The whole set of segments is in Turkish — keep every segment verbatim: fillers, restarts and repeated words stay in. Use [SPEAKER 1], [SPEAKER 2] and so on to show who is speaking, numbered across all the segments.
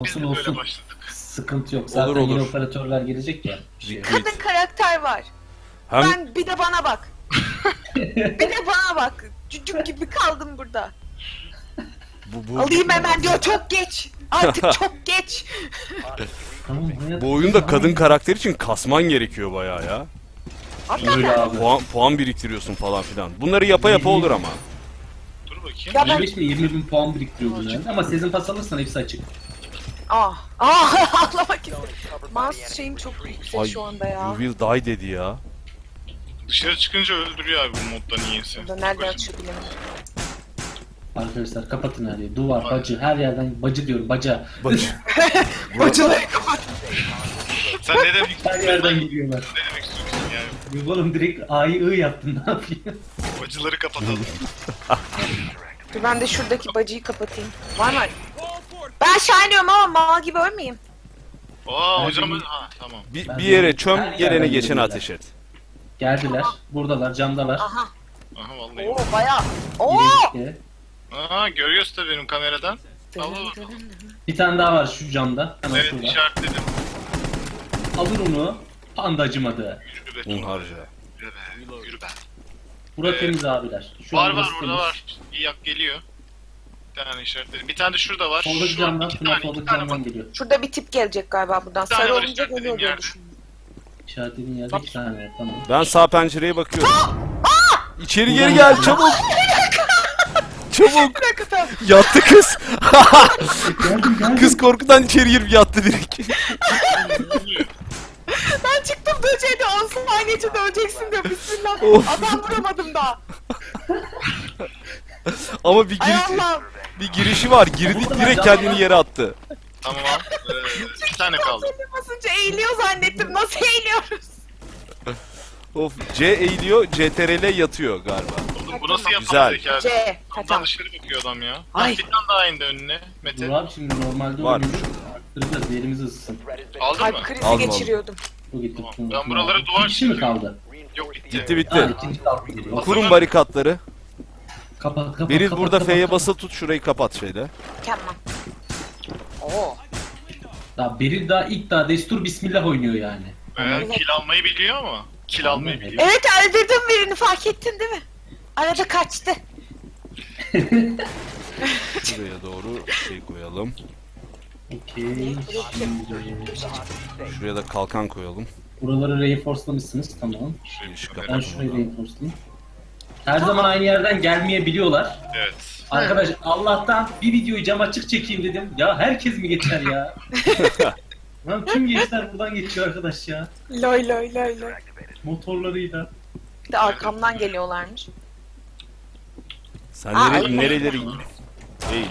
[SPEAKER 1] Biz
[SPEAKER 2] Olsun
[SPEAKER 1] de böyle
[SPEAKER 2] olsun.
[SPEAKER 1] başladık.
[SPEAKER 2] Sıkıntı yok. Zaten
[SPEAKER 3] Olur, olur.
[SPEAKER 2] yeni operatörler gelecek ya. Şey.
[SPEAKER 3] Liquid.
[SPEAKER 4] Kadın karakter var.
[SPEAKER 3] Hem
[SPEAKER 4] Ben bir de bana bak. bir de bana bak. Cücük gibi kaldım burada.
[SPEAKER 3] bu, bu,
[SPEAKER 4] Alayım hemen diyor, çok geç. Artık çok geç.
[SPEAKER 2] Tamam, hayat-
[SPEAKER 3] bu oyunda kadın karakter için kasman gerekiyor bayağı ya.
[SPEAKER 2] Öyle abi.
[SPEAKER 3] Puan, puan biriktiriyorsun falan filan. Bunları yapa yapa olur ama.
[SPEAKER 1] Dur bakayım.
[SPEAKER 4] Ya ben...
[SPEAKER 2] yirmi beş ile yirmi bin puan biriktiriyor bunlar. Ama season pass alırsan hepsi açık.
[SPEAKER 4] Ah. Ah. Ağlamak istedim. Mouse şeyim çok yüksek
[SPEAKER 3] Ay,
[SPEAKER 4] şu anda ya.
[SPEAKER 3] you will die dedi ya.
[SPEAKER 1] Dışarı çıkınca öldürüyor abi bu modda niyeyse.
[SPEAKER 4] Burada nereden açıyor bilemedim.
[SPEAKER 2] Arkadaşlar kapatın her yeri. Duvar, bacı, her yerden bacı diyorum, baca.
[SPEAKER 3] Bacı.
[SPEAKER 4] Bacıları kapat.
[SPEAKER 1] Sen ne demek
[SPEAKER 2] Her
[SPEAKER 1] istiyorsun?
[SPEAKER 2] yerden geliyorlar.
[SPEAKER 1] Ne demek istiyorsun yani?
[SPEAKER 2] Oğlum direkt A'yı I yaptın, ne yapayım?
[SPEAKER 1] Bacıları kapatalım.
[SPEAKER 4] Dur ben de şuradaki bacıyı kapatayım. Var mı? Ben aşağı iniyorum ama mal gibi ölmeyeyim.
[SPEAKER 1] Aa hocam ha tamam.
[SPEAKER 3] Bir,
[SPEAKER 2] Ben
[SPEAKER 3] bir yere
[SPEAKER 2] de-
[SPEAKER 3] çöm,
[SPEAKER 2] her
[SPEAKER 3] gelene
[SPEAKER 2] yerden
[SPEAKER 3] geçene
[SPEAKER 2] geliyorlar.
[SPEAKER 3] ateş et.
[SPEAKER 2] Geldiler, buradalar, camdalar.
[SPEAKER 4] Aha.
[SPEAKER 1] Aha vallahi.
[SPEAKER 4] Oo bayağı. Oo.
[SPEAKER 2] İşte.
[SPEAKER 1] Aa görüyorsun tabii benim kameradan. Allah Allah.
[SPEAKER 2] Bir tane daha var şu camda. Hemen
[SPEAKER 1] Evet
[SPEAKER 2] şurada.
[SPEAKER 1] işaretledim.
[SPEAKER 2] Alır onu. Panda acımadı.
[SPEAKER 1] Yürü be.
[SPEAKER 3] Un harca.
[SPEAKER 1] Yürü be. Yürü be.
[SPEAKER 2] Bura
[SPEAKER 1] Evet.
[SPEAKER 2] temiz abiler. Şu
[SPEAKER 1] Var
[SPEAKER 2] an
[SPEAKER 1] var
[SPEAKER 2] burası
[SPEAKER 1] orada
[SPEAKER 2] temiz.
[SPEAKER 1] var. İyi yak geliyor. Bir tane işaretledim. Bir tane de şurada var.
[SPEAKER 2] Soldaki
[SPEAKER 1] Şu
[SPEAKER 2] camdan,
[SPEAKER 1] iki
[SPEAKER 2] şuna
[SPEAKER 1] tane, iki
[SPEAKER 2] soldaki
[SPEAKER 1] tane
[SPEAKER 2] camdan
[SPEAKER 1] bak.
[SPEAKER 2] geliyor.
[SPEAKER 4] Şurada bir tip gelecek galiba buradan.
[SPEAKER 1] Bir tane
[SPEAKER 4] Sarı
[SPEAKER 1] var
[SPEAKER 4] olunca
[SPEAKER 1] işaretlediğim
[SPEAKER 4] geliyor diye
[SPEAKER 1] yerde.
[SPEAKER 4] düşündüm.
[SPEAKER 2] İşaretlediğin yerde iki tane var, tamam.
[SPEAKER 3] Ben sağ pencereye bakıyorum. İçeri geri gel çabuk. Çabuk.
[SPEAKER 4] Bir dakika tamam.
[SPEAKER 3] Yattı kız.
[SPEAKER 2] Geldim geldim.
[SPEAKER 3] Kız korkudan içeri girip yattı direkt.
[SPEAKER 4] Ben çıktım böceğe on saniye içinde öleceksin diyor. Bismillah.
[SPEAKER 3] Of.
[SPEAKER 4] Adam vuramadım daha.
[SPEAKER 3] Ama bir,
[SPEAKER 4] Ay
[SPEAKER 3] giriş,
[SPEAKER 4] Allah'ım.
[SPEAKER 3] bir girişi var. Girdi direkt kendini yere attı.
[SPEAKER 1] Tamam. Ee, bir tane kaldı.
[SPEAKER 4] Zili basınca eğiliyor zannettim. Nasıl eğiliyoruz?
[SPEAKER 3] Of C eğiliyor, C T R L yatıyor galiba.
[SPEAKER 1] Oğlum bu nasıl
[SPEAKER 3] Güzel.
[SPEAKER 1] yapamadık ya?
[SPEAKER 4] C. Ha,
[SPEAKER 1] Kapıdan
[SPEAKER 4] tamam.
[SPEAKER 1] dışarı bakıyor adam ya.
[SPEAKER 4] Ay.
[SPEAKER 1] Ay. Bir tane daha indi önüne. Mete.
[SPEAKER 2] Dur abi şimdi normalde
[SPEAKER 3] Var.
[SPEAKER 2] oynuyoruz. Arttıracağız, yerimizi ısıtsın.
[SPEAKER 1] Aldın mı?
[SPEAKER 4] Kalp krizi
[SPEAKER 3] Aldım,
[SPEAKER 4] geçiriyordum.
[SPEAKER 2] Bu gitti.
[SPEAKER 1] Tamam. Ben buralara duvar
[SPEAKER 2] İki kişi mi
[SPEAKER 1] çiziyorum.
[SPEAKER 2] kaldı?
[SPEAKER 1] Yok bitti.
[SPEAKER 3] Bitti
[SPEAKER 2] Ha,
[SPEAKER 3] bitti.
[SPEAKER 2] ikinci kaldı geliyor.
[SPEAKER 3] Kurun barikatları.
[SPEAKER 2] Kapat kapat.
[SPEAKER 3] Beril
[SPEAKER 2] kapat,
[SPEAKER 3] burada
[SPEAKER 2] kapat,
[SPEAKER 3] F'ye
[SPEAKER 2] kapat.
[SPEAKER 3] basılı tut, şurayı kapat şeyle.
[SPEAKER 4] Mükemmel. Oo.
[SPEAKER 2] Daha Beril daha ilk daha destur bismillah oynuyor yani.
[SPEAKER 1] Ee, kil almayı biliyor ama. Kil almayı
[SPEAKER 2] Evet.
[SPEAKER 1] biliyor.
[SPEAKER 4] Evet öldürdüm birini, fark ettin değil mi? Arada kaçtı.
[SPEAKER 3] Şuraya doğru şey koyalım.
[SPEAKER 2] Okey. Şimdi
[SPEAKER 3] Şuraya da kalkan koyalım.
[SPEAKER 2] buraları reinforcelamışsınız, tamam.
[SPEAKER 3] Şu
[SPEAKER 2] Ben
[SPEAKER 3] kapat.
[SPEAKER 2] şurayı reinforcelayayım. Her zaman aynı yerden gelmeyebiliyorlar.
[SPEAKER 1] Evet.
[SPEAKER 2] Arkadaş Allah'tan bir videoyu cam açık çekeyim dedim. Ya herkes mi geçer ya? Lan tüm gençler buradan geçiyor arkadaş ya.
[SPEAKER 4] Loy loy loy loy.
[SPEAKER 2] Motorlarıyla.
[SPEAKER 4] Bir de arkamdan geliyorlarmış.
[SPEAKER 3] Sen
[SPEAKER 4] Aa,
[SPEAKER 3] nere,
[SPEAKER 4] öyle.
[SPEAKER 3] nereleri... Hey,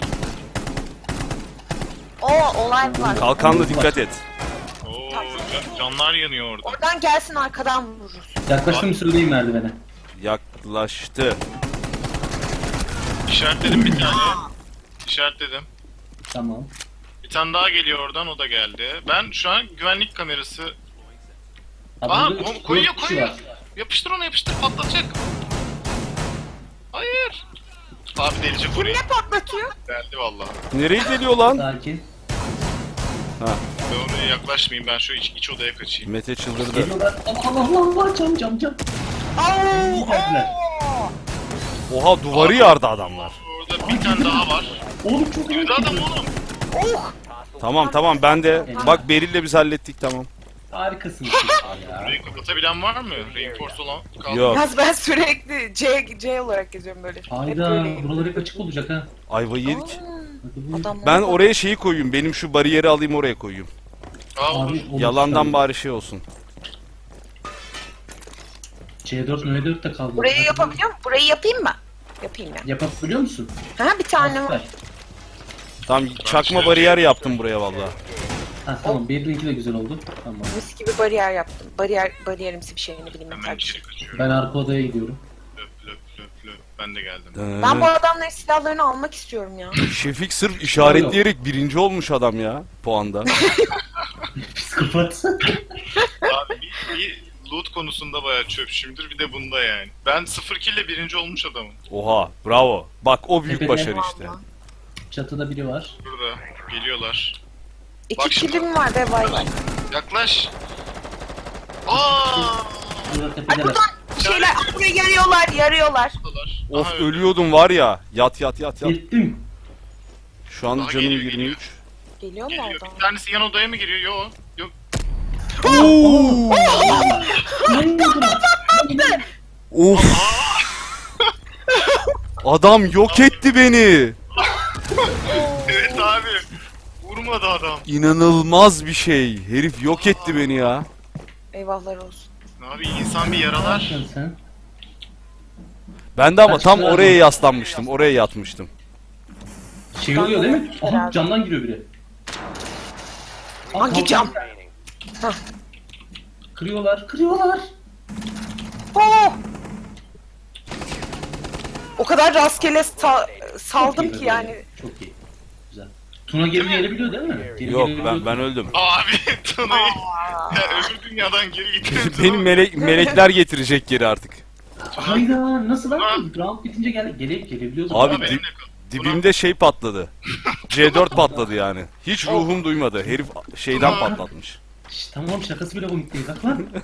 [SPEAKER 4] Oo olay var.
[SPEAKER 3] kalkanla dikkat et.
[SPEAKER 1] Oo, can- canlar yanıyor orada.
[SPEAKER 4] Oradan gelsin arkadan vururuz.
[SPEAKER 2] Yaklaştım söyleyeyim merdivene.
[SPEAKER 3] Yaklaştı.
[SPEAKER 1] İşaretledim bir tane. İşaretledim.
[SPEAKER 2] Tamam.
[SPEAKER 1] Bir tane daha geliyor oradan, o da geldi. Ben şu an güvenlik kamerası...
[SPEAKER 2] Abi
[SPEAKER 1] Aa
[SPEAKER 2] burada
[SPEAKER 1] ko-
[SPEAKER 2] üç-
[SPEAKER 1] koyuyor
[SPEAKER 2] dört kişi
[SPEAKER 1] koyuyor.
[SPEAKER 2] var.
[SPEAKER 1] Yapıştır onu, yapıştır, patlatacak. Hayır. Abi delice
[SPEAKER 4] Kim
[SPEAKER 1] koruyor.
[SPEAKER 4] ne patlatıyor?
[SPEAKER 1] Geldi valla.
[SPEAKER 3] Nereye geliyor lan?
[SPEAKER 2] Sakin.
[SPEAKER 3] Ha,
[SPEAKER 1] Ben oraya yaklaşmayayım, ben şu iç, iç odaya kaçayım.
[SPEAKER 3] Mete çıldırdı.
[SPEAKER 2] Geliyorlar. Allah Allah Allah Allah cam cam cam.
[SPEAKER 4] Oo,
[SPEAKER 2] İyi geldiler.
[SPEAKER 4] oo.
[SPEAKER 3] Oha duvarı yardı adamlar.
[SPEAKER 1] Orada bir tane daha var.
[SPEAKER 2] Oğlum çok iyi.
[SPEAKER 1] Yürü adam oğlum.
[SPEAKER 4] Oh.
[SPEAKER 3] Tamam tamam ben de. Bak Beril'le biz hallettik tamam.
[SPEAKER 2] Harikasın siz ya.
[SPEAKER 1] Burayı kapatabilen var mı? Reinforce olan kaldı.
[SPEAKER 3] Yok.
[SPEAKER 4] Yalnız ben sürekli C, C olarak geziyorum böyle. Hep
[SPEAKER 2] Hayda
[SPEAKER 4] böyleyim.
[SPEAKER 2] buralar hep açık olacak ha.
[SPEAKER 3] Ayvayı yedik.
[SPEAKER 2] Hadi buyur.
[SPEAKER 4] Adamlar
[SPEAKER 3] Ben
[SPEAKER 4] da-
[SPEAKER 3] oraya şeyi koyayım. Benim şu bariyeri alayım oraya koyayım.
[SPEAKER 1] Aa, olur.
[SPEAKER 2] Abi, olur
[SPEAKER 3] Yalandan
[SPEAKER 2] tabii.
[SPEAKER 3] bari şey olsun.
[SPEAKER 2] C dört M dört de kaldı.
[SPEAKER 4] Burayı
[SPEAKER 2] Hadi
[SPEAKER 4] yapabiliyor muyum? Burayı yapayım mı? Yapayım ya.
[SPEAKER 2] buyur. Yapabiliyor musun?
[SPEAKER 4] Ha bir tane var.
[SPEAKER 2] Süper.
[SPEAKER 3] Tam çakma bariyer yaptım buraya valla.
[SPEAKER 2] Ha tamam Beril'inki de güzel oldu. Tamam.
[SPEAKER 4] Mis gibi bariyer yaptım. Bariyer, bariyerimsi bir şeyini bileyim.
[SPEAKER 1] Hemen
[SPEAKER 4] yeter.
[SPEAKER 1] içeri kaçıyorum.
[SPEAKER 2] Ben arka odaya gidiyorum.
[SPEAKER 1] Löp löp löp löp. Ben de geldim.
[SPEAKER 4] Ben bu adamların silahlarını almak istiyorum ya.
[SPEAKER 3] Şefik sırf işaretleyerek birinci olmuş adam ya puanda.
[SPEAKER 2] Psikopat.
[SPEAKER 1] Abi bir, bir loot konusunda bayağı çöpçümdür, bir de bunda yani. Ben sıfır kill ile birinci olmuş adamım.
[SPEAKER 3] Oha bravo. Bak o büyük
[SPEAKER 2] Tepede.
[SPEAKER 3] başarı işte.
[SPEAKER 4] Vallahi.
[SPEAKER 2] Çatıda biri var.
[SPEAKER 1] Burada geliyorlar.
[SPEAKER 4] İki
[SPEAKER 1] Bak şimdi.
[SPEAKER 4] kilim var be bay bay.
[SPEAKER 1] Yaklaş. Aa!
[SPEAKER 2] Burada
[SPEAKER 4] Ay
[SPEAKER 2] tepedeler.
[SPEAKER 4] buradan bir şeyler buraya yarıyorlar yarıyorlar.
[SPEAKER 3] Of
[SPEAKER 1] Aha,
[SPEAKER 3] ölüyordum var ya. Yat yat yat yat.
[SPEAKER 2] Gittim.
[SPEAKER 3] Şu an
[SPEAKER 1] Daha
[SPEAKER 3] canım
[SPEAKER 1] geliyor,
[SPEAKER 3] yirmi üç.
[SPEAKER 4] Geliyor mu
[SPEAKER 1] Geliyor.
[SPEAKER 4] oradan?
[SPEAKER 1] Bir tanesi yan odaya mı giriyor? Yok. Yok.
[SPEAKER 3] Oo! Of. Adam yok etti beni.
[SPEAKER 1] Evet abi. Vurmadı adam.
[SPEAKER 3] İnanılmaz bir şey. Herif yok etti beni ya.
[SPEAKER 4] Eyvahlar olsun.
[SPEAKER 1] Abi insan bir
[SPEAKER 2] Ne
[SPEAKER 1] yaralar.
[SPEAKER 2] yapıyorsun sen?
[SPEAKER 3] Ben de ama tam
[SPEAKER 2] Kaçtılar
[SPEAKER 3] oraya
[SPEAKER 2] mı?
[SPEAKER 3] yaslanmıştım. Oraya yatmıştım.
[SPEAKER 2] Şey oluyor değil mi? Aha
[SPEAKER 4] Herhalde.
[SPEAKER 2] camdan giriyor biri. Aa,
[SPEAKER 4] Hangi
[SPEAKER 2] kalkan.
[SPEAKER 4] cam?
[SPEAKER 2] Kırıyorlar, kırıyorlar.
[SPEAKER 4] Oo! O kadar rastgele sa- saldım
[SPEAKER 2] Çok iyi
[SPEAKER 4] ki
[SPEAKER 2] be
[SPEAKER 4] yani.
[SPEAKER 2] böyle. Çok iyi. Güzel. Tuna geri gelebiliyor değil mi? Geri
[SPEAKER 3] Yok
[SPEAKER 2] gelebiliyor.
[SPEAKER 3] ben ben öldüm.
[SPEAKER 1] Abi Tuna'yı
[SPEAKER 4] Aa.
[SPEAKER 1] ya öbür dünyadan geri getirdin.
[SPEAKER 3] Beni melek melekler getirecek geri artık.
[SPEAKER 2] Hayda nasıl lan? Round bitince gel gele gelebiliyorduk.
[SPEAKER 3] Abi,
[SPEAKER 1] Abi
[SPEAKER 3] di-
[SPEAKER 1] benimle kal.
[SPEAKER 3] Dibimde şey patladı. C dört patladı yani. Hiç ruhum duymadı. Herif şeyden patlatmış.
[SPEAKER 2] Şş, tamam şakası bile komik değil. Bak lan.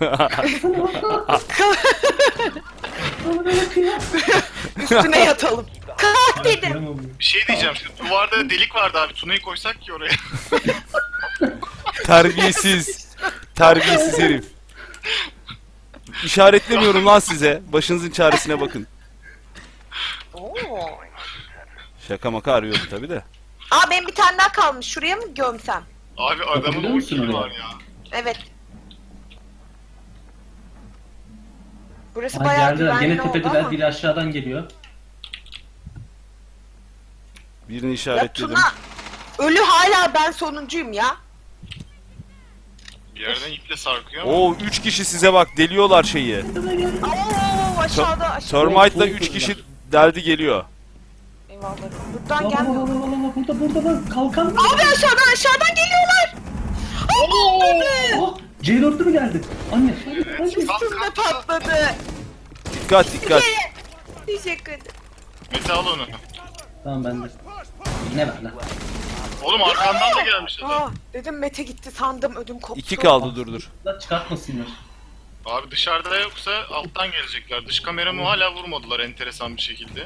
[SPEAKER 2] Bana böyle bakıyor.
[SPEAKER 4] Üstüne yatalım. Kalk dedim.
[SPEAKER 2] Tamam.
[SPEAKER 1] Bir şey diyeceğim şimdi. Duvarda delik vardı abi. Tuna'yı koysak ki oraya.
[SPEAKER 3] Terbiyesiz. Terbiyesiz herif. İşaretlemiyorum lan size. Başınızın çaresine bakın.
[SPEAKER 4] Oo.
[SPEAKER 3] Şaka maka arıyordum tabi de.
[SPEAKER 4] Aa benim bir tane daha kalmış. Şuraya mı gömsem?
[SPEAKER 1] Abi adamın
[SPEAKER 2] Bakabiliyor
[SPEAKER 1] o
[SPEAKER 2] musun
[SPEAKER 1] kili
[SPEAKER 2] oraya?
[SPEAKER 1] var ya.
[SPEAKER 4] Evet. Burası
[SPEAKER 2] Ay
[SPEAKER 4] bayağı
[SPEAKER 2] geldiler.
[SPEAKER 4] güvenli
[SPEAKER 2] Gene
[SPEAKER 4] oldu
[SPEAKER 2] tepedeler.
[SPEAKER 4] ama.
[SPEAKER 2] Biri aşağıdan geliyor.
[SPEAKER 3] Birini
[SPEAKER 4] Ya
[SPEAKER 3] işaretledim.
[SPEAKER 4] Tuna ölü hala ben sonuncuyum ya.
[SPEAKER 1] Bir yerden iple sarkıyor ama.
[SPEAKER 3] Oo üç kişi size bak deliyorlar şeyi.
[SPEAKER 4] Oo aşağıda aşağıda.
[SPEAKER 3] Termite'la üç kişi deldi geliyor.
[SPEAKER 4] Eyvallah. Buradan
[SPEAKER 2] Bak bak
[SPEAKER 4] gelmiyor.
[SPEAKER 2] bak bak bak burada burada bak kalkan.
[SPEAKER 4] Abi aşağıdan aşağıdan geliyorlar. Abi.
[SPEAKER 2] Oh, C dörtlü mü geldi? Anne. Hadi, hadi.
[SPEAKER 4] Üstümde patladı.
[SPEAKER 3] Dikkat dikkat.
[SPEAKER 4] Teşekkür ederim.
[SPEAKER 1] Mete al onu.
[SPEAKER 2] Tamam ben de. Ne ver lan?
[SPEAKER 1] Oğlum arkandan da gelmiş adam.
[SPEAKER 4] Aa, dedim Mete gitti sandım ödüm koptu.
[SPEAKER 3] İki kaldı dur dur.
[SPEAKER 2] Lan çıkartmasınlar.
[SPEAKER 1] Abi dışarıda yoksa alttan gelecekler. Dış kameramı hala vurmadılar enteresan bir şekilde.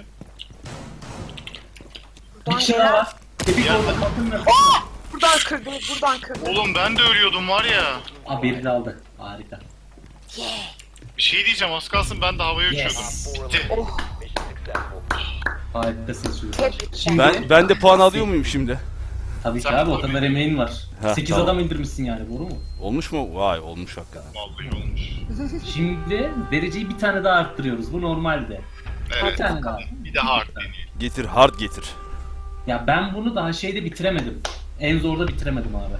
[SPEAKER 2] Bir
[SPEAKER 4] Buradan
[SPEAKER 2] kişi daha
[SPEAKER 4] gelen-
[SPEAKER 2] var. Tepik
[SPEAKER 1] Ya.
[SPEAKER 2] orada kalkın ver.
[SPEAKER 4] Buradan kırdı, buradan kırdı.
[SPEAKER 1] Oğlum ben de ölüyordum var ya.
[SPEAKER 2] Aa birini aldı. Harika.
[SPEAKER 1] Bir şey diyeceğim az kalsın ben de havaya uçuyordum.
[SPEAKER 2] Yes.
[SPEAKER 1] Gitti.
[SPEAKER 4] Oh,
[SPEAKER 2] Harikasın çocuklar.
[SPEAKER 4] Tebrikler.
[SPEAKER 2] Şimdi
[SPEAKER 3] Ben ben de puan alıyor muyum şimdi?
[SPEAKER 2] tabii ki
[SPEAKER 1] Sen
[SPEAKER 2] abi o
[SPEAKER 1] tabii.
[SPEAKER 2] kadar emeğin var.
[SPEAKER 3] Heh,
[SPEAKER 2] sekiz
[SPEAKER 3] tamam.
[SPEAKER 2] adam indirmişsin yani doğru mu?
[SPEAKER 3] Olmuş mu? Vay olmuş hakikaten.
[SPEAKER 1] Vallahi olmuş.
[SPEAKER 2] Şimdi dereceyi bir tane daha arttırıyoruz. Bu normalde.
[SPEAKER 1] Evet.
[SPEAKER 2] Bir tane daha.
[SPEAKER 1] Bir de hard deniyor.
[SPEAKER 3] Getir hard getir.
[SPEAKER 2] Ya ben bunu daha şeyde bitiremedim. En zorda bitiremedim abi.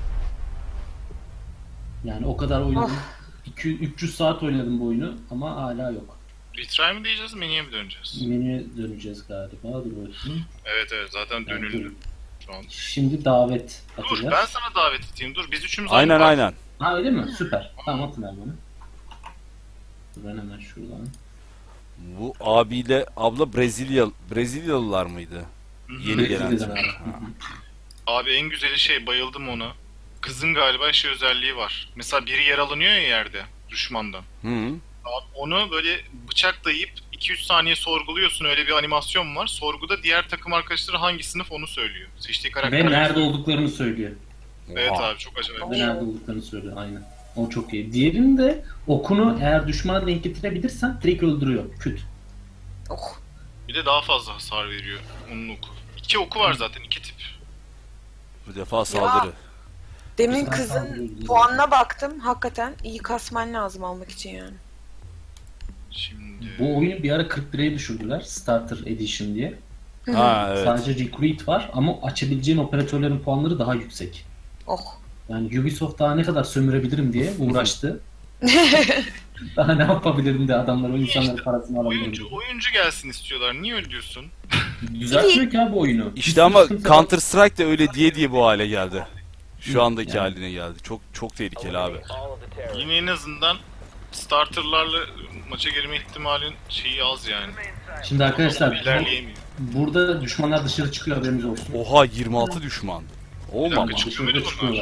[SPEAKER 2] Yani o kadar oynadım. iki yüz üç yüz saat oynadım bu oyunu ama hala yok.
[SPEAKER 1] Retry mi diyeceğiz menüye mi döneceğiz?
[SPEAKER 2] Menüye döneceğiz galiba. Dur bakayım.
[SPEAKER 1] Evet evet zaten dönüldü şu an.
[SPEAKER 2] Şimdi davet
[SPEAKER 1] Dur
[SPEAKER 2] atacağız.
[SPEAKER 1] ben sana davet edeyim dur biz üçümüz
[SPEAKER 3] Aynen
[SPEAKER 1] aynı
[SPEAKER 3] aynen.
[SPEAKER 2] Ha öyle mi? Süper. Tamam atın ver bana. Dur ben hemen şuradan.
[SPEAKER 3] Bu abiyle abla Brezilya Brezilyalılar mıydı? Yeni gelen.
[SPEAKER 2] Brezilya'dan abi.
[SPEAKER 1] Abi en güzeli şey bayıldım ona. Kızın galiba şey özelliği var. Mesela biri yaralanıyor ya yerde düşmandan.
[SPEAKER 3] Hı -hı.
[SPEAKER 1] Abi onu böyle bıçak dayayıp iki üç saniye sorguluyorsun öyle bir animasyon var. Sorguda diğer takım arkadaşları hangi sınıf onu söylüyor. Seçtiği karakter.
[SPEAKER 2] Ve nerede olduklarını söylüyor.
[SPEAKER 1] Evet
[SPEAKER 3] Oha.
[SPEAKER 1] abi çok acayip.
[SPEAKER 2] Ve nerede olduklarını söylüyor aynen. O çok iyi. Diğerinde okunu eğer düşmana denk getirebilirsen direkt öldürüyor. Küt.
[SPEAKER 4] Oh.
[SPEAKER 1] Bir de daha fazla hasar veriyor onun oku. İki oku var zaten iki tip.
[SPEAKER 3] Bu defa saldırı.
[SPEAKER 4] Demin
[SPEAKER 2] Güzel
[SPEAKER 4] kızın
[SPEAKER 2] saldırıyor.
[SPEAKER 4] puanına baktım. Hakikaten iyi kasman lazım almak için yani.
[SPEAKER 1] Şimdi
[SPEAKER 2] Bu oyunu bir ara kırk liraya düşürdüler. Starter Edition diye.
[SPEAKER 3] Ha evet.
[SPEAKER 2] Sadece Recruit var ama açabileceğin operatörlerin puanları daha yüksek.
[SPEAKER 4] Oh.
[SPEAKER 2] Yani Ubisoft daha ne kadar sömürebilirim diye uğraştı. Daha ne yapabilirim de adamlar o insanların parasını alabilirim.
[SPEAKER 1] oyuncu oyuncu gelsin istiyorlar. Niye öyle diyorsun?
[SPEAKER 2] Düzeltmiyor ki abi oyunu.
[SPEAKER 3] İşte ama Counter Strike de öyle diye diye bu hale geldi. Şu andaki
[SPEAKER 2] Yani.
[SPEAKER 3] haline geldi. Çok çok tehlikeli abi.
[SPEAKER 1] Yine en azından starterlarla maça girme ihtimalin şeyi az yani.
[SPEAKER 2] Şimdi arkadaşlar
[SPEAKER 1] İlerleyemiyor.
[SPEAKER 2] burada düşmanlar dışarı çıkıyor haberiniz olsun.
[SPEAKER 3] Oha yirmi altı düşman.
[SPEAKER 1] Bir
[SPEAKER 3] Olmam.
[SPEAKER 1] dakika,
[SPEAKER 2] Dışarıda çıkıyorlar.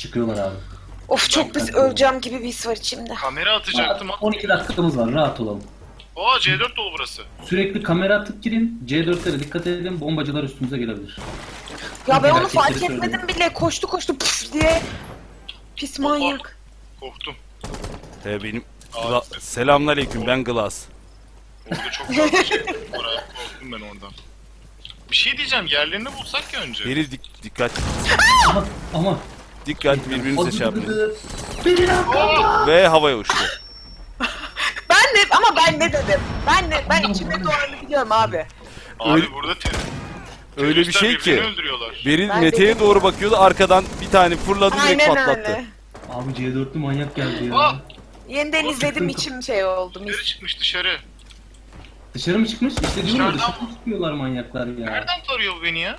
[SPEAKER 2] Çıkıyorlar abi.
[SPEAKER 4] Of çok pis öleceğim gibi bir his var içimde.
[SPEAKER 1] Kamera atacaktım.
[SPEAKER 2] on iki dakikamız var, rahat olalım.
[SPEAKER 1] Aa C dört dolu burası.
[SPEAKER 2] Sürekli kamera atıp girin. C dörtlere dikkat edin, bombacılar üstümüze gelebilir.
[SPEAKER 4] Ya ben onu
[SPEAKER 2] Gerçekleri
[SPEAKER 4] fark
[SPEAKER 2] söylüyorum.
[SPEAKER 4] etmedim bile. Koştu koştu püf diye. Pis manyak.
[SPEAKER 1] Korktum.
[SPEAKER 3] He benim...
[SPEAKER 1] Aa,
[SPEAKER 3] Gla- Selamünaleyküm, ben Glass.
[SPEAKER 1] Orada çok fazla şey var abi. Korktum ben oradan. Bir şey diyeceğim. Yerlerini bulsak ya önce.
[SPEAKER 3] Herif dik- dikkat,
[SPEAKER 2] Ama, ama.
[SPEAKER 3] dikkat birbirinize şey yapmayın.
[SPEAKER 2] Beni yapma.
[SPEAKER 3] Ve havaya uçtu.
[SPEAKER 4] Ben ne ama ben ne dedim? Ben ne ben içimde doğanı biliyorum abi.
[SPEAKER 1] Abi
[SPEAKER 3] Öyle-
[SPEAKER 1] burada te-
[SPEAKER 3] Öyle bir şey
[SPEAKER 1] teröristler birbirini
[SPEAKER 3] ki.
[SPEAKER 1] öldürüyorlar.
[SPEAKER 3] Beril
[SPEAKER 4] Ben
[SPEAKER 3] Mete'ye
[SPEAKER 4] dedim.
[SPEAKER 3] doğru bakıyordu, arkadan bir tane fırladı, direkt
[SPEAKER 4] Aynen
[SPEAKER 3] patlattı.
[SPEAKER 4] öyle.
[SPEAKER 2] Abi C dörtlü manyak geldi ya.
[SPEAKER 1] Aa!
[SPEAKER 4] Yeniden
[SPEAKER 1] Oğlum,
[SPEAKER 4] izledim
[SPEAKER 2] sıkıntı.
[SPEAKER 4] içim şey oldu.
[SPEAKER 1] Dışarı
[SPEAKER 4] Mis.
[SPEAKER 1] çıkmış dışarı.
[SPEAKER 2] Dışarı mı çıkmış? İşte diyorum ya,
[SPEAKER 1] Dışarıdan
[SPEAKER 2] dışarı çıkıyorlar manyaklar ya.
[SPEAKER 1] Nereden tarıyor bu beni ya?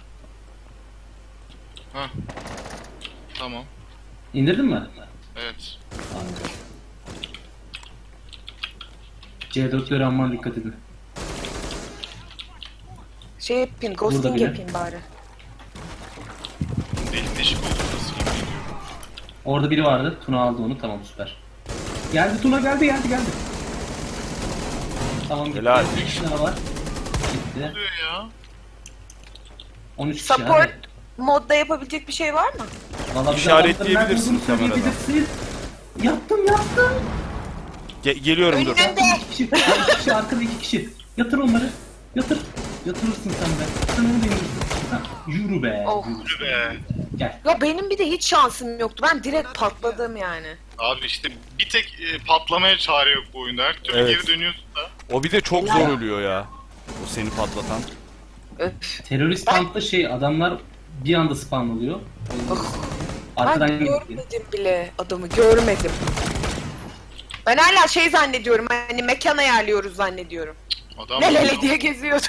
[SPEAKER 1] Hah. Tamam.
[SPEAKER 2] İndirdin mi?
[SPEAKER 1] Evet.
[SPEAKER 2] Anladım. C dörtlere aman dikkat edin.
[SPEAKER 4] Şey yapayım,
[SPEAKER 2] Burada
[SPEAKER 4] ghosting
[SPEAKER 2] bile.
[SPEAKER 4] yapayım bari.
[SPEAKER 1] Delik deşik oldu burası. yemin ediyorum.
[SPEAKER 2] Orada biri vardı. Tuna aldı onu. Tamam, süper. Geldi Tuna, geldi geldi geldi. Tamam, gitti.
[SPEAKER 3] Helal.
[SPEAKER 2] Bir kişi daha var.
[SPEAKER 1] Ne
[SPEAKER 2] Gitti.
[SPEAKER 1] oluyor ya?
[SPEAKER 2] on üç kişi.
[SPEAKER 4] Support
[SPEAKER 2] hadi.
[SPEAKER 4] modda yapabilecek bir şey var mı?
[SPEAKER 2] Vallahi bize
[SPEAKER 3] İşaretleyebilirsin
[SPEAKER 2] adamların nerede olduğunu
[SPEAKER 3] kameradan.
[SPEAKER 2] söyleyebilirsin. Yaptım yaptım.
[SPEAKER 3] Ge- geliyorum dur.
[SPEAKER 4] Önünde.
[SPEAKER 2] İki kişi, iki kişi arkada iki kişi. Yatır onları. Yatır. Yatırırsın sen de. Sen onu da indirirsin. Ha, yürü be.
[SPEAKER 4] Oh.
[SPEAKER 2] Yürü.
[SPEAKER 1] Be.
[SPEAKER 2] Gel.
[SPEAKER 4] Ya benim bir de hiç şansım yoktu. Ben direkt patladım yani.
[SPEAKER 1] Abi işte bir tek e, patlamaya çare yok bu oyunda. Her türlü
[SPEAKER 3] Evet.
[SPEAKER 1] geri dönüyorsun da.
[SPEAKER 3] O bir de çok zor ölüyor ya. O seni patlatan.
[SPEAKER 4] Öf.
[SPEAKER 2] Terörist kampta şey, adamlar bir anda spawn oluyor.
[SPEAKER 4] Oh.
[SPEAKER 2] Arkadan
[SPEAKER 4] Ben
[SPEAKER 2] gidiyor.
[SPEAKER 4] görmedim bile adamı görmedim. Ben hala şey zannediyorum hani mekan ayarlıyoruz zannediyorum.
[SPEAKER 1] Adam
[SPEAKER 4] Lelele diye geziyordum.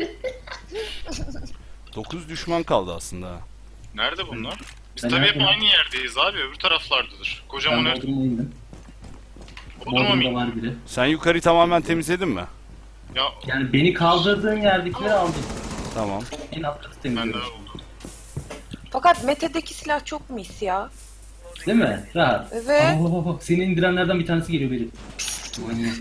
[SPEAKER 3] dokuz düşman kaldı aslında. ha.
[SPEAKER 1] Nerede bunlar? Biz
[SPEAKER 2] Ben
[SPEAKER 1] tabii hep
[SPEAKER 2] neredeyim?
[SPEAKER 1] aynı yerdeyiz abi. Öbür taraflardadır. Kocaman
[SPEAKER 2] Ben
[SPEAKER 1] her...
[SPEAKER 2] Bodrum'a indim.
[SPEAKER 1] Bodrum'a mı?
[SPEAKER 2] Bodrum'da var biri.
[SPEAKER 3] Sen yukarıyı tamamen temizledin mi?
[SPEAKER 1] Ya
[SPEAKER 2] Yani beni kaldırdığın yerdekileri aldım.
[SPEAKER 3] Tamam.
[SPEAKER 2] En alt katı
[SPEAKER 1] ben de
[SPEAKER 2] temizliyorum.
[SPEAKER 1] oldu.
[SPEAKER 4] Fakat Mete'deki silah çok mis ya.
[SPEAKER 2] Değil mi? Rahat.
[SPEAKER 4] Evet.
[SPEAKER 2] Oo, seni indirenlerden bir tanesi geliyor benim. Manyak.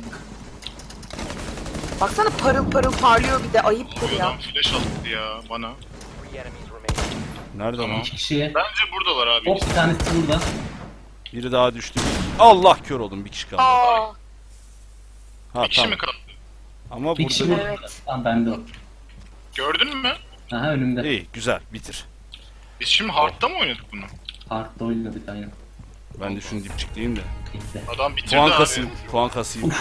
[SPEAKER 4] Baksana parıl parıl parlıyor bir de ayıptır
[SPEAKER 1] Abi
[SPEAKER 4] ya.
[SPEAKER 1] adam flash attı ya bana.
[SPEAKER 3] Nerede
[SPEAKER 1] Tamam.
[SPEAKER 3] lan?
[SPEAKER 2] İki kişiye.
[SPEAKER 1] Bence buradalar abi.
[SPEAKER 2] Hop, bir tanesi burada.
[SPEAKER 3] Biri daha düştü. Allah, kör oldum, bir kişi kaldı.
[SPEAKER 4] Aa,
[SPEAKER 3] Ha
[SPEAKER 1] Bir kişi
[SPEAKER 3] tamam.
[SPEAKER 1] mi kaldı?
[SPEAKER 3] Ama
[SPEAKER 2] Bir kişi
[SPEAKER 3] burada...
[SPEAKER 2] burada.
[SPEAKER 4] Evet.
[SPEAKER 2] Tamam, bende o.
[SPEAKER 1] Gördün mü?
[SPEAKER 2] Aha, önümde.
[SPEAKER 3] İyi, güzel, bitir.
[SPEAKER 1] Biz şimdi hard'da mı oynadık bunu?
[SPEAKER 2] Hard'da oynadık aynen.
[SPEAKER 3] Ben de şunu dipçikleyeyim de.
[SPEAKER 2] İşte.
[SPEAKER 1] Adam bitirdi
[SPEAKER 3] Puan
[SPEAKER 1] abi.
[SPEAKER 3] kasayım, puan kasayım.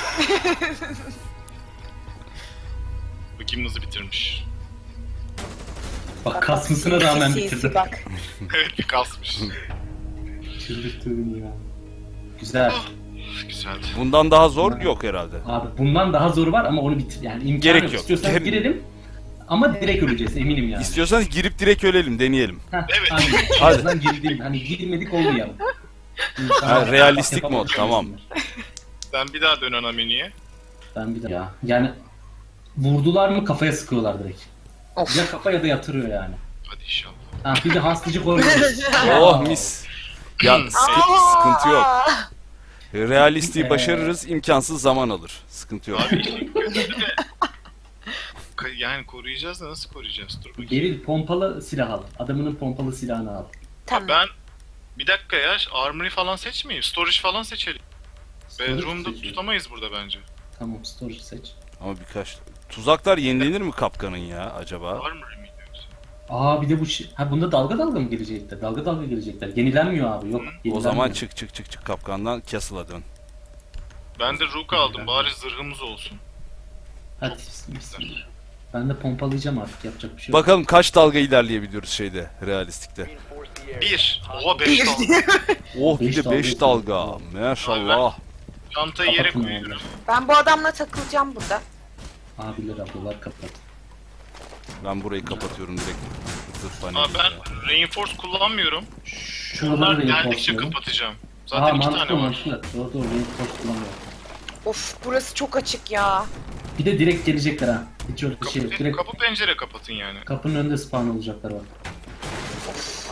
[SPEAKER 1] Bakayım nasıl bitirmiş.
[SPEAKER 2] Bak, kasmasına rağmen
[SPEAKER 4] sinsi
[SPEAKER 2] bitirdim.
[SPEAKER 4] Bak.
[SPEAKER 1] Evet bir kasmış.
[SPEAKER 2] Çıldırttım ya. Güzel.
[SPEAKER 1] Güzeldi.
[SPEAKER 3] Bundan daha zor yok herhalde.
[SPEAKER 2] Abi bundan daha zoru var ama onu bitir. Yani imkanı
[SPEAKER 3] Gerek
[SPEAKER 2] yok.
[SPEAKER 3] yok.
[SPEAKER 2] İstiyorsan
[SPEAKER 3] Gerek-
[SPEAKER 2] girelim. Ama direkt öleceğiz eminim yani.
[SPEAKER 3] İstiyorsanız girip direkt ölelim, deneyelim.
[SPEAKER 2] Heh,
[SPEAKER 1] Evet.
[SPEAKER 2] Aynen.
[SPEAKER 3] Hadi.
[SPEAKER 2] En azından girdim. Hani girmedik oldu ya.
[SPEAKER 3] Ha, realistik mod,
[SPEAKER 2] Yapamadım.
[SPEAKER 3] tamam.
[SPEAKER 1] Ben bir daha dön ana menüye.
[SPEAKER 2] Ben bir de ya. Yani vurdular mı kafaya sıkıyorlar direkt.
[SPEAKER 4] Of.
[SPEAKER 2] Ya kafa ya da yatırıyor yani.
[SPEAKER 1] Hadi inşallah.
[SPEAKER 2] Ha, bir de hastacı koyuyoruz.
[SPEAKER 3] Oh mis. Ya sıkı-
[SPEAKER 4] Aa!
[SPEAKER 3] sıkıntı yok. Realistiği başarırız, imkansız zaman alır. Sıkıntı yok.
[SPEAKER 1] Abi işte kötü de... Ka- Yani koruyacağız da nasıl koruyacağız? Dur bakayım.
[SPEAKER 2] Beril, pompalı silah al. Adamının pompalı silahını al.
[SPEAKER 4] Tamam.
[SPEAKER 1] Ben bir dakika ya armory falan seçmeyeyim. Storage falan seçelim.
[SPEAKER 2] Storage
[SPEAKER 1] Bedroom'da
[SPEAKER 2] seçiyor.
[SPEAKER 1] tutamayız burada bence.
[SPEAKER 2] Tamam, storage seç.
[SPEAKER 3] Ama birkaç... Tuzaklar yenilenir mi kapkanın ya acaba?
[SPEAKER 1] Armory miydi yoksa?
[SPEAKER 2] Aa, bir de bu şey. Ha, bunda dalga dalga mı gelecekler? Dalga dalga gelecekler. Yenilenmiyor abi. Yok.
[SPEAKER 3] O
[SPEAKER 2] yenilenmiyor.
[SPEAKER 3] zaman çık çık çık çık kapkandan Castle'a dön.
[SPEAKER 1] Ben de Rook aldım. Bari zırhımız olsun.
[SPEAKER 2] Hadi bismillah. Ben de pompalayacağım artık, yapacak bir şey yok.
[SPEAKER 3] Bakalım kaç dalga ilerleyebiliyoruz şeyde, realistikte.
[SPEAKER 1] Bir. Oha beş dalga.
[SPEAKER 3] Oh, bir
[SPEAKER 2] Beş
[SPEAKER 3] de
[SPEAKER 2] dalga
[SPEAKER 3] beş
[SPEAKER 2] yapıyoruz.
[SPEAKER 3] dalga. Maşallah.
[SPEAKER 1] Çantayı yere
[SPEAKER 2] Kapatın
[SPEAKER 1] koyuyorum.
[SPEAKER 2] yani.
[SPEAKER 4] Ben bu adamla takılacağım burada.
[SPEAKER 2] Abiler ablalar kapat.
[SPEAKER 3] Ben burayı kapatıyorum direkt. Zırh
[SPEAKER 1] Aa,
[SPEAKER 3] paneli.
[SPEAKER 1] ben reinforce kullanmıyorum.
[SPEAKER 2] Şuraları
[SPEAKER 1] Bunlar
[SPEAKER 2] da
[SPEAKER 1] geldikçe
[SPEAKER 2] reinforce'layalım.
[SPEAKER 1] kapatacağım.
[SPEAKER 2] Aa,
[SPEAKER 1] Zaten iki
[SPEAKER 2] mantıklı
[SPEAKER 1] tane var.
[SPEAKER 2] mantıklı. Doğru doğru, reinforce kullanmıyor.
[SPEAKER 4] Of burası çok açık ya.
[SPEAKER 2] Bir de direkt gelecekler ha. Hiç öyle bir şey yok.
[SPEAKER 1] Kapı,
[SPEAKER 2] Direkt
[SPEAKER 1] kapı pencere kapatın yani.
[SPEAKER 2] kapının önünde spawn olacaklar bak.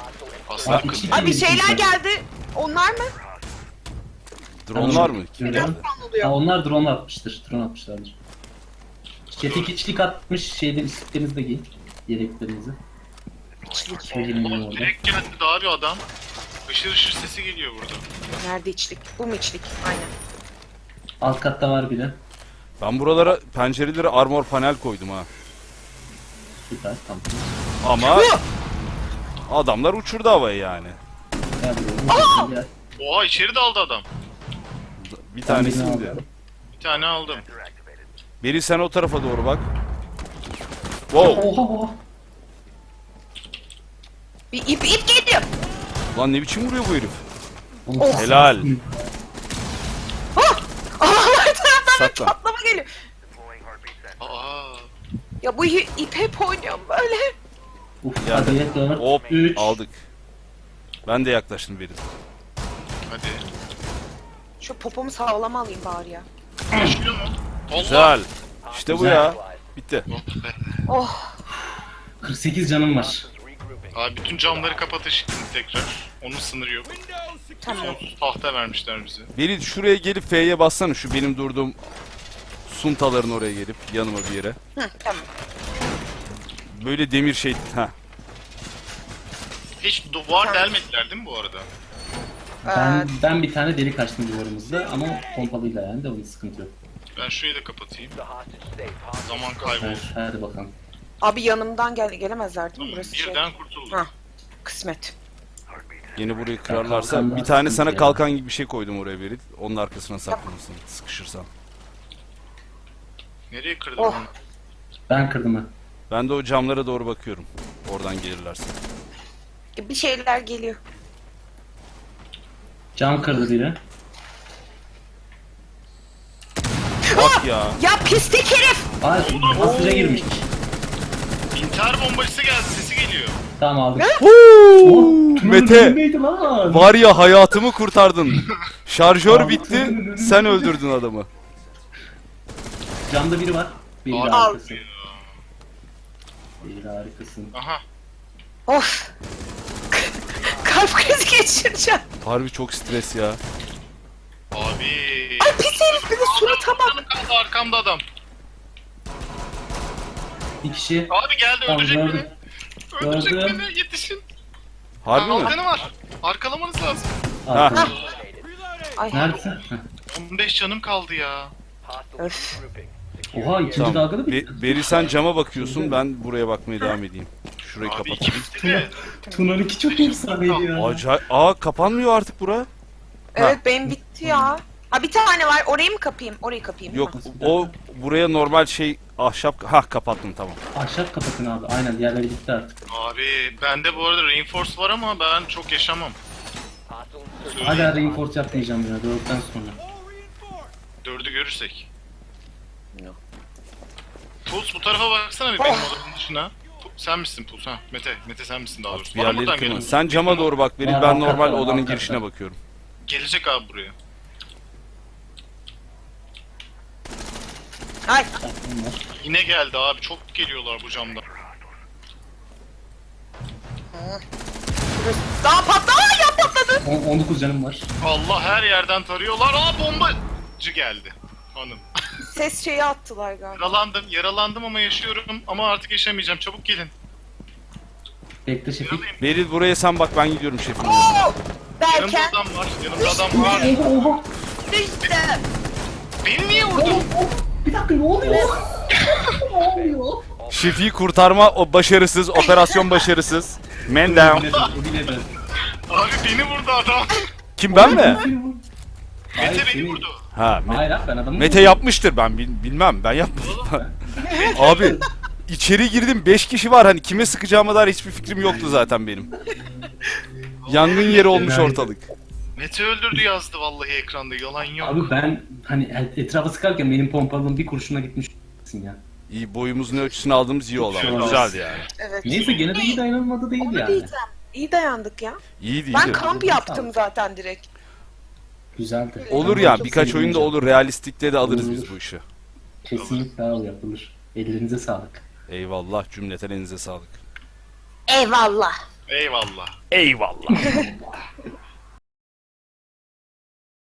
[SPEAKER 1] Aslan
[SPEAKER 2] Abi,
[SPEAKER 1] kız.
[SPEAKER 2] iki-
[SPEAKER 4] Abi şeyler geldi. Onlar mı?
[SPEAKER 3] Dronlar mı? Kim
[SPEAKER 2] Görüyorum.
[SPEAKER 3] geldi?
[SPEAKER 4] Falan oluyor.
[SPEAKER 2] Ha, onlar drone atmıştır. Drone atmışlardır. Çetik içlik atmış şeyden istiklerinizi de giyin. Yeleklerinizi.
[SPEAKER 4] İçlik.
[SPEAKER 2] Söyleyin
[SPEAKER 1] Oğlum
[SPEAKER 2] orada.
[SPEAKER 1] direkt geldi daha bir adam. Işır ışır sesi geliyor burada.
[SPEAKER 4] Nerede içlik? Bu mu içlik? Aynen.
[SPEAKER 2] Alt katta var biri.
[SPEAKER 3] Ben buralara pencerelere armor panel koydum ha.
[SPEAKER 2] Süper tamam.
[SPEAKER 3] Ama adamlar uçurdu havayı yani.
[SPEAKER 2] Gel buraya. Gel.
[SPEAKER 1] Oha içeri daldı adam.
[SPEAKER 3] Bir
[SPEAKER 2] Ben
[SPEAKER 3] tanesi
[SPEAKER 2] birini
[SPEAKER 3] indi.
[SPEAKER 2] aldım.
[SPEAKER 1] Bir tane aldım.
[SPEAKER 3] Beri sen o tarafa doğru bak. Wow.
[SPEAKER 2] Oha oha.
[SPEAKER 4] Bir ip ip geliyor.
[SPEAKER 3] Lan ne biçim vuruyor bu herif?
[SPEAKER 2] Oğlum,
[SPEAKER 4] Oh.
[SPEAKER 3] Helal.
[SPEAKER 4] Ah! Allah'lar taraftan bir
[SPEAKER 3] Saklan.
[SPEAKER 4] patlama geliyor.
[SPEAKER 1] Aa.
[SPEAKER 4] Ya bu i- ip hep oynuyorum böyle.
[SPEAKER 2] Uf,
[SPEAKER 3] Ya.
[SPEAKER 2] hadi dört,
[SPEAKER 3] Hop
[SPEAKER 2] üç.
[SPEAKER 3] aldık. Ben de yaklaştım Beri.
[SPEAKER 1] Hadi.
[SPEAKER 4] Şu popomu sağlama alayım bari ya.
[SPEAKER 1] Yaşıyor mu? Allah.
[SPEAKER 3] Güzel. İşte bu
[SPEAKER 2] Güzel.
[SPEAKER 3] ya. Bitti.
[SPEAKER 1] Oh be.
[SPEAKER 4] Oh.
[SPEAKER 2] kırk sekiz canım var.
[SPEAKER 1] Abi bütün camları kapatın şimdi tekrar. Onun sınırı yok.
[SPEAKER 4] Tamam.
[SPEAKER 1] Sonsuz tahta vermişler bize.
[SPEAKER 3] Beri şuraya gelip F'ye bassana, şu benim durduğum suntaların oraya gelip yanıma bir yere.
[SPEAKER 4] Hı, tamam.
[SPEAKER 3] Böyle demir şey. Ha.
[SPEAKER 1] Hiç duvar delmediler değil mi bu arada?
[SPEAKER 2] Ben,
[SPEAKER 4] Ee,
[SPEAKER 2] ben bir tane delik açtım duvarımızda ama pompalıyla yani de onun sıkıntı yok.
[SPEAKER 1] Ben şurayı da kapatayım. Zaman
[SPEAKER 2] Hadi,
[SPEAKER 1] kaybolur.
[SPEAKER 2] hadi bakalım.
[SPEAKER 4] Abi yanımdan gel gelemezler değil mi?
[SPEAKER 1] Tamam,
[SPEAKER 4] Burası şey.
[SPEAKER 1] birden kurtulduk.
[SPEAKER 4] Ha. Kısmet.
[SPEAKER 3] Yeni burayı kırarlarsa
[SPEAKER 2] kalkanlar
[SPEAKER 3] bir tane
[SPEAKER 2] sıkıntı
[SPEAKER 3] sana
[SPEAKER 2] ya.
[SPEAKER 3] kalkan gibi bir şey koydum oraya Beri. Onun arkasına saklanırsın sıkışırsan.
[SPEAKER 1] Nereye kırdın
[SPEAKER 4] Oh.
[SPEAKER 1] onu?
[SPEAKER 2] Ben kırdım ha.
[SPEAKER 3] Ben de o camlara doğru bakıyorum. Oradan gelirlerse.
[SPEAKER 4] Bir şeyler geliyor.
[SPEAKER 2] Cam kırdı biri.
[SPEAKER 3] Bak ya.
[SPEAKER 4] Ya pislik herif!
[SPEAKER 2] Ay basınca girmiş.
[SPEAKER 1] İntihar bombacısı geldi, sesi geliyor.
[SPEAKER 2] Tamam aldık.
[SPEAKER 3] Huu,
[SPEAKER 2] Tuna'nın
[SPEAKER 3] Mete
[SPEAKER 2] önündeydi lan.
[SPEAKER 3] var ya, hayatımı kurtardın. Şarjör bitti, sen öldürdün adamı.
[SPEAKER 2] Camda biri var. Biri
[SPEAKER 1] Abi.
[SPEAKER 2] harikasın. Biri harikasın.
[SPEAKER 1] Aha.
[SPEAKER 4] Of! Kalp krizi geçireceğim.
[SPEAKER 3] Harbi çok stres ya.
[SPEAKER 1] Abi.
[SPEAKER 4] Ay pis herif bir de surata bak.
[SPEAKER 1] Canım kaldı arkamda adam.
[SPEAKER 2] Bir kişi.
[SPEAKER 1] Abi geldi
[SPEAKER 2] Tamam,
[SPEAKER 1] öldürecek
[SPEAKER 2] gördüm.
[SPEAKER 1] beni. Öldürecek
[SPEAKER 2] Gördüm.
[SPEAKER 1] beni, yetişin.
[SPEAKER 3] Harbi mi?
[SPEAKER 1] Kalkanı var. Arkalamanız lazım.
[SPEAKER 2] Arkada.
[SPEAKER 4] Ay.
[SPEAKER 2] Neredesin? Heh.
[SPEAKER 1] on beş canım kaldı ya.
[SPEAKER 4] Öf.
[SPEAKER 2] Oha ikinci
[SPEAKER 3] Tamam.
[SPEAKER 2] dalgada bir.
[SPEAKER 3] Be- Beri sen cama bakıyorsun, ben buraya bakmaya devam edeyim. Şurayı
[SPEAKER 1] Abi
[SPEAKER 3] kapatayım.
[SPEAKER 1] ikimiz de.
[SPEAKER 2] Tuna'nınki çok efsaneydi ya.
[SPEAKER 3] Acayip. Aa, kapanmıyor artık bura.
[SPEAKER 4] Evet benim bitti ya. Ha bir tane var. Orayı mı kapayım? Orayı kapayım. değil
[SPEAKER 3] Yok,
[SPEAKER 4] mi?
[SPEAKER 3] o buraya normal şey ahşap. Ha, kapattım tamam.
[SPEAKER 2] Ahşap kapatın abi. Aynen diğerleri gitti artık.
[SPEAKER 1] Abi bende bu arada reinforce var ama ben çok yaşamam.
[SPEAKER 2] Hala reinforce yapmayacağım ya dörtten sonra.
[SPEAKER 1] Dördü görürsek.
[SPEAKER 4] Yok.
[SPEAKER 1] Puls bu tarafa baksana bir benim odamın dışına. Pu- Sen misin Puls ha? Mete, Mete sen misin daha doğrusu.
[SPEAKER 3] Bir
[SPEAKER 1] Bana
[SPEAKER 3] yerleri
[SPEAKER 1] buradan
[SPEAKER 3] kırma.
[SPEAKER 1] geliyor.
[SPEAKER 3] Sen cama doğru bak Beri,
[SPEAKER 2] Var,
[SPEAKER 3] ben
[SPEAKER 2] arka
[SPEAKER 3] normal
[SPEAKER 2] var,
[SPEAKER 3] odanın
[SPEAKER 2] arka
[SPEAKER 3] girişine
[SPEAKER 2] var.
[SPEAKER 3] bakıyorum.
[SPEAKER 1] Gelecek abi buraya.
[SPEAKER 4] Ay.
[SPEAKER 2] Bunlar.
[SPEAKER 1] Yine geldi abi, çok geliyorlar bu camda.
[SPEAKER 4] Daha patlama ya patladı.
[SPEAKER 2] On- on dokuz canım var.
[SPEAKER 1] Allah, her yerden tarıyorlar. Aa, bombacı geldi. Hanım.
[SPEAKER 4] Ses şeyi attılar galiba.
[SPEAKER 1] Yaralandım, yaralandım ama yaşıyorum. Ama artık yaşamayacağım. Çabuk gelin.
[SPEAKER 2] Bekle Şefik.
[SPEAKER 1] Yaralıyım.
[SPEAKER 3] Beri buraya sen bak, ben gidiyorum şefim.
[SPEAKER 4] Oo!
[SPEAKER 1] Yanımda
[SPEAKER 4] Derken
[SPEAKER 1] adam var, yanımda adam var.
[SPEAKER 2] Oha oha.
[SPEAKER 4] işte.
[SPEAKER 1] Beni niye vurdun?
[SPEAKER 2] Oğlum, oğlum, bir dakika ne oluyor? Ne oluyor?
[SPEAKER 3] Şefi'yi kurtarma o başarısız, operasyon başarısız. Man down.
[SPEAKER 2] Biledim, o biledim.
[SPEAKER 1] Abi beni vurdu adam.
[SPEAKER 3] Kim, ben mi?
[SPEAKER 2] Hayır,
[SPEAKER 1] Mete beni
[SPEAKER 2] seni-
[SPEAKER 1] vurdu.
[SPEAKER 3] Ha, Me-
[SPEAKER 2] Hayır abi ben adamı
[SPEAKER 3] Mete yapmıştır, ben bil- bilmem, ben yapmadım. Abi içeri girdim, beş kişi var, hani kime sıkacağıma dair hiçbir fikrim yoktu zaten benim. Yangın yeri olmuş ortalık.
[SPEAKER 1] Mete öldürdü yazdı vallahi ekranda, yalan yok.
[SPEAKER 2] Abi ben hani etrafa sıkarken benim pompalım bir kurşuna gitmiş ya.
[SPEAKER 3] İyi, boyumuzun ölçüsünü aldığımız iyi oldu ama
[SPEAKER 2] Olmaz.
[SPEAKER 3] güzeldi yani.
[SPEAKER 4] Evet.
[SPEAKER 2] Neyse gene de iyi dayanılmadı değil
[SPEAKER 4] Onu
[SPEAKER 2] yani.
[SPEAKER 4] diyeceğim. İyi dayandık ya.
[SPEAKER 3] İyiydi,
[SPEAKER 4] Ben
[SPEAKER 3] iyiydi.
[SPEAKER 4] kamp yaptım zaten direkt.
[SPEAKER 2] Güzeldi.
[SPEAKER 3] Olur ya, birkaç oyunda olur, realistikte de alırız biz bu işi.
[SPEAKER 2] Kesinlikle abi yapılır. Ellerinize sağlık.
[SPEAKER 3] Eyvallah, cümleten elinize sağlık.
[SPEAKER 4] Eyvallah.
[SPEAKER 1] Eyvallah.
[SPEAKER 3] Eyvallah.